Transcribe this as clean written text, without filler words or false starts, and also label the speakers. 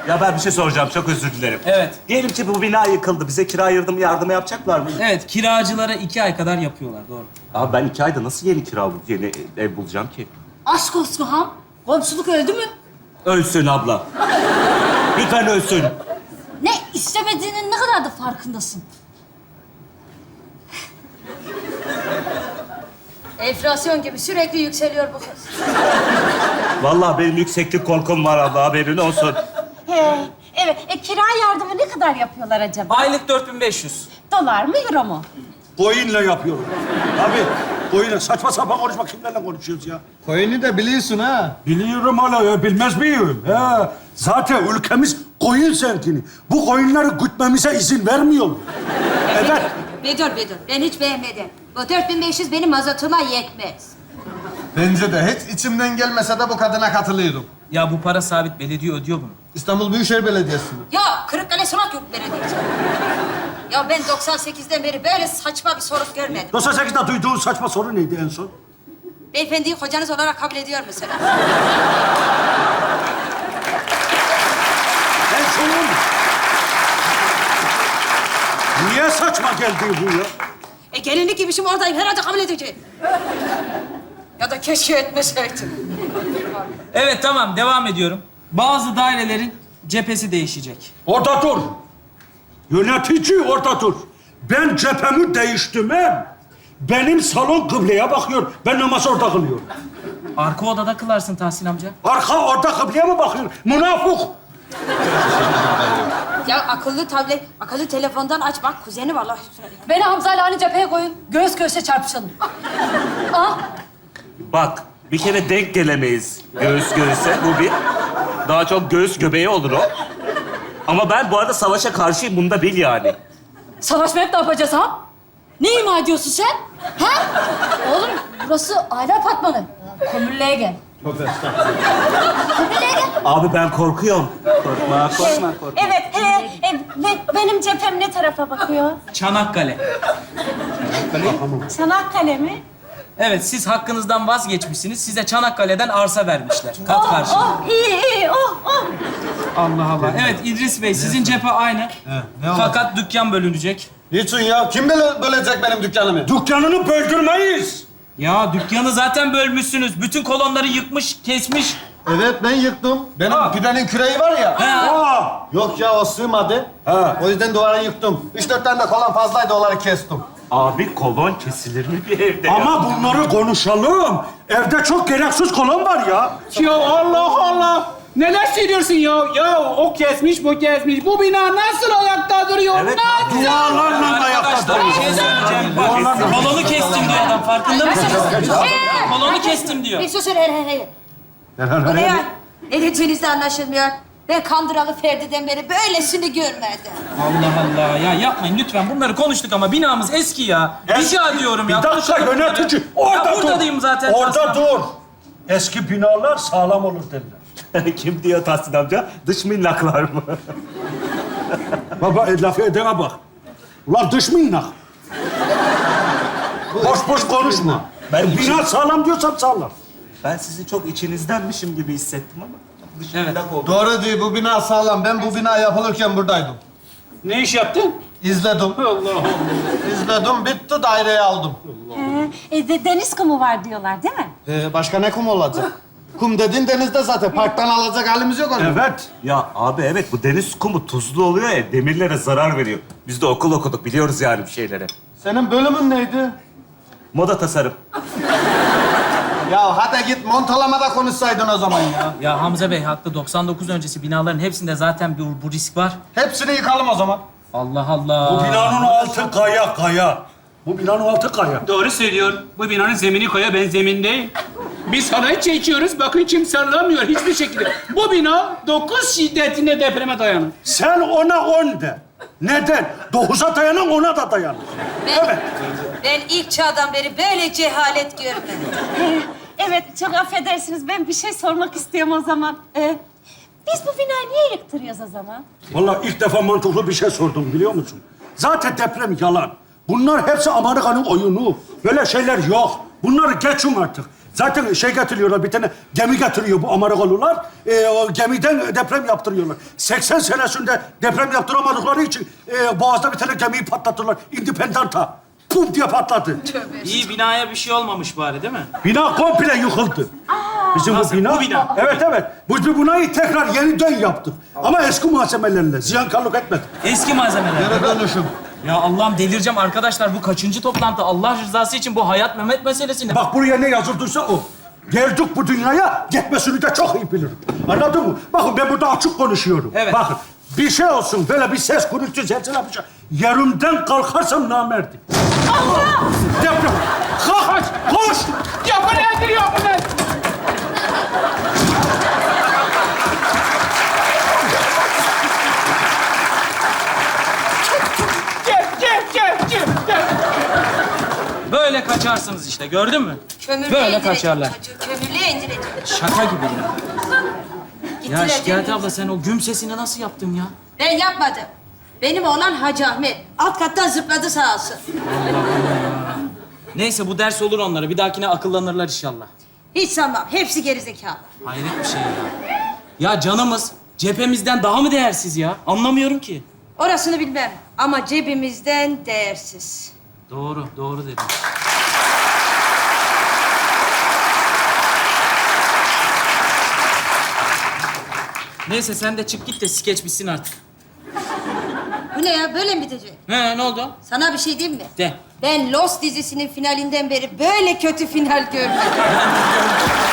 Speaker 1: Ya ben bir şey soracağım, çok özür dilerim.
Speaker 2: Evet.
Speaker 1: Diyelim ki bu bina yıkıldı. Bize kira yardımı yapacaklar mı?
Speaker 2: Evet, kiracılara 2 ay kadar yapıyorlar, doğru.
Speaker 1: Abi ben 2 ayda nasıl yeni ev bulacağım ki?
Speaker 3: Aşk olsun ha. Komşuluk öldü mü?
Speaker 1: Ölsün abla. Lütfen ölsün.
Speaker 3: Ne istemediğinin ne kadar da farkındasın. Enflasyon gibi sürekli yükseliyor bu kız.
Speaker 1: Vallahi benim yükseklik korkum var abla, haberin olsun.
Speaker 4: Evet, kira yardımı ne kadar yapıyorlar acaba?
Speaker 2: Aylık 4500.
Speaker 4: Dolar mı, euro mu?
Speaker 5: Koyunla yapıyorum. Abi, koyunla. Saçma sapan konuşma. Kimlerle konuşuyoruz ya?
Speaker 6: Koyunu da biliyorsun ha.
Speaker 5: Biliyorum hala ya. Bilmez miyim? He. Zaten ülkemiz koyun zengini. Bu koyunları gütmemize izin vermiyor. Evet.
Speaker 7: Bedur. Ben hiç beğenmedim. Bu 4500 benim mazotuma yetmez.
Speaker 6: Bence de hiç içimden gelmese de bu kadına katılıyorum.
Speaker 2: Ya bu para sabit, belediye ödüyor bunu.
Speaker 6: İstanbul Büyükşehir Belediyesi.
Speaker 7: Ya Kırıkkale Sanat Yurdu Belediyesi. Ya ben 98'den beri böyle saçma bir soru görmedim.
Speaker 5: 98'de duyduğun saçma soru neydi en son?
Speaker 7: Beyefendiyi kocanız olarak kabul ediyor mesela.
Speaker 5: En sonun. Niye saçma geldi bu ya?
Speaker 7: Gelinlik gibişim oradayım. Herhalde kabul edeceğim. Ya da keşke etmeseydim.
Speaker 2: Evet, tamam, devam ediyorum. Bazı dairelerin cephesi değişecek.
Speaker 5: Orada dur. Yönetici orada dur. Ben cephemi değiştirmem. Benim salon kıbleye bakıyor. Ben namaz orada kılıyorum.
Speaker 2: Arka odada kılarsın Tahsin amca.
Speaker 5: Arka orada kıbleye mi bakıyor? Münafık.
Speaker 7: Ya akıllı telefondan aç bak. Kuzeni vallahi.
Speaker 3: Beni Hamza'yla aynı cepheye koyun. Göğüs göğüse çarpışalım.
Speaker 1: Bak, bir kere denk gelemeyiz göğüs göğüse. Bu bir. Daha çok göğüs göbeği olur o. Ama ben bu arada savaşa karşıyım, bunu da bil yani.
Speaker 3: Savaşmayıp ne yapacağız ha? Ne ima ediyorsun sen? Ha? Oğlum burası aile apartmanı. Kömürlüğe gel. Kömürlüğe gel.
Speaker 1: Abi ben korkuyorum. Korkma.
Speaker 4: Evet, benim cephem ne tarafa bakıyor?
Speaker 2: Çanakkale.
Speaker 4: Çanakkale mi?
Speaker 2: Evet, siz hakkınızdan vazgeçmişsiniz. Size Çanakkale'den arsa vermişler. Kat karşılığı.
Speaker 4: İyi,
Speaker 2: Allah Allah. Evet, İdris Bey, sizin cephe aynı.
Speaker 6: ne var?
Speaker 2: Fakat dükkan bölünecek.
Speaker 6: Niçin ya? Kim bölecek benim dükkanımı?
Speaker 5: Dükkanını böldürmeyiz.
Speaker 2: Ya dükkanı zaten bölmüşsünüz. Bütün kolonları yıkmış, kesmiş.
Speaker 6: Evet, ben yıktım. Benim pidenin küreği var ya.
Speaker 5: Aa,
Speaker 6: Yok ya, o sığmadı.
Speaker 5: Ha.
Speaker 6: O yüzden duvarı yıktım. 3-4 tane de kolon fazlaydı, onları kestim.
Speaker 1: Abi kolon kesilir mi bir evde ya?
Speaker 5: ama bunları konuşalım. Evde çok gereksiz kolon var ya.
Speaker 8: Ya Allah Allah! Neler söylüyorsun ya? Ya o kesmiş, bu kesmiş. Bu bina nasıl ayakta duruyor?
Speaker 1: Evet,
Speaker 8: Nasıl?
Speaker 5: Dualarla ayakta
Speaker 2: Arkadaşlar bir şey söyleyeceğim. Bak, kolonu kestim diyor adam. Farkında mısınız? Kolonu kestim diyor.
Speaker 7: Bir susun hey. Bu ne ya? Ne dediğinizde anlaşılmıyor. Ben Kandıralı Ferdi'den beri böylesini görmedim.
Speaker 2: Allah Allah. Ya yapmayın lütfen. Bunları konuştuk ama binamız eski ya. Rica ediyorum ya.
Speaker 5: Bir dakika
Speaker 2: Konuşalım bunları.
Speaker 5: yönetici.
Speaker 2: Ya
Speaker 5: Orada dur.
Speaker 2: buradayım zaten.
Speaker 5: Orada dur. Eski binalar sağlam olur derler.
Speaker 1: Kim diyor Tahsin amca? Dış minnaklar mı?
Speaker 5: Baba lafı edene bak. Ulan dış minnak. Boş konuşma. Bina sağlam diyorsam sağlam.
Speaker 1: Ben sizi çok içinizdenmişim gibi hissettim ama dış
Speaker 2: Evet.
Speaker 1: minnak oldu.
Speaker 6: Doğru değil, bu bina sağlam. Ben bu bina yapılırken buradaydım.
Speaker 8: Ne iş yaptın?
Speaker 6: İzledim.
Speaker 8: Allah Allah.
Speaker 6: İzledim, bitti, daireyi aldım.
Speaker 4: Deniz kumu var diyorlar, değil mi?
Speaker 6: Başka ne kum olacak? Kum dediğin denizde zaten. Parktan alacak halimiz yok onun.
Speaker 5: Evet.
Speaker 1: Ya abi evet, bu deniz kumu tuzlu oluyor ya, demirlere zarar veriyor. Biz de okul okuduk, biliyoruz yani bir şeyleri.
Speaker 6: Senin bölümün neydi?
Speaker 1: Moda tasarım.
Speaker 6: Ya hadi git montalamada konuşsaydın o zaman ya.
Speaker 2: Ya Hamza Bey haklı. 99 öncesi binaların hepsinde zaten bu risk var.
Speaker 6: Hepsini yıkalım o zaman.
Speaker 2: Allah Allah.
Speaker 5: Bu binanın altı kaya. Bu binanın altı kaya.
Speaker 8: Doğru söylüyor. Bu binanın zemini koya, ben zemindeyim. Biz halay çekiyoruz, bakın kim sallamıyor hiçbir şekilde. Bu bina 9 şiddetinde depreme dayanır.
Speaker 5: Sen ona 10 de. Neden? 9'a dayanan ona da dayanır.
Speaker 7: Ben ilk çağdan beri böyle cehalet görmedim.
Speaker 4: Evet, çok affedersiniz. Ben bir şey sormak istiyorum o zaman. Biz bu binayı niye yıktırıyoruz o zaman?
Speaker 5: Vallahi ilk defa mantıklı bir şey sordum biliyor musun? Zaten deprem yalan. Bunlar hepsi Amerika'nın oyunu. Böyle şeyler yok. Bunları geçin artık. Zaten şey getiriyorlar, bir tane gemi getiriyor bu Amerikalılar. O gemiden deprem yaptırıyorlar. 80 senesinde deprem yaptıramadıkları için Boğaz'da bir tane gemiyi patlattılar. Independent'a. Pum diye patladı.
Speaker 2: İyi binaya bir şey olmamış bari değil mi?
Speaker 5: Bina komple yıkıldı. Bizim
Speaker 2: Nasıl?
Speaker 5: bu bina.
Speaker 2: Bu bina.
Speaker 5: Evet, evet. Biz bu binayı tekrar yeniden yaptık. Ama eski malzemelerle. Ziyankarlık etmedik.
Speaker 2: Eski malzemeler.
Speaker 6: Geri dönüşüm.
Speaker 2: Ya Allah'ım delireceğim arkadaşlar. Bu kaçıncı toplantı? Allah rızası için bu hayat Mehmet meselesi ne?
Speaker 5: Bak buraya ne yazıldıysa o. Geldik bu dünyaya, gitmesini de çok iyi bilirim. Anladın mı? Bakın ben burada açık konuşuyorum.
Speaker 2: Evet.
Speaker 5: Bakın bir şey olsun, böyle bir ses gürültü, zelzele bir şey. Yerimden kalkarsam namerdim. Allah! Deprem. Kalk, koş!
Speaker 8: Ya bu nedir ya bu nedir? Gel.
Speaker 2: Böyle kaçarsınız işte gördün mü?
Speaker 7: Kömürlüğe
Speaker 2: Böyle
Speaker 7: indireceğim
Speaker 2: kaçarlar.
Speaker 7: çocuğu, kömürlüğe indireceğim.
Speaker 2: Şaka gibi ya. Ya
Speaker 7: Gittiler,
Speaker 2: Şikayet
Speaker 7: değil mi?
Speaker 2: abla sen o güm sesini nasıl yaptın ya?
Speaker 7: Ben yapmadım. Benim oğlan Hacı Ahmet. Alt kattan zıpladı sağ olsun.
Speaker 2: Neyse bu ders olur onlara. Bir dahakine akıllanırlar inşallah.
Speaker 7: Hiç sanmam. Hepsi gerizekalı.
Speaker 2: Hayret bir şey ya. Ya canımız cephemizden daha mı değersiz ya? Anlamıyorum ki.
Speaker 7: Orasını bilmem. Ama cebimizden değersiz.
Speaker 2: Doğru dedim. Neyse sen de çık git de skeç bitsin artık.
Speaker 7: Bu ne ya? Böyle mi bitecek?
Speaker 2: Ne oldu?
Speaker 7: Sana bir şey diyeyim mi?
Speaker 2: De.
Speaker 7: Ben Lost dizisinin finalinden beri böyle kötü final görmedim.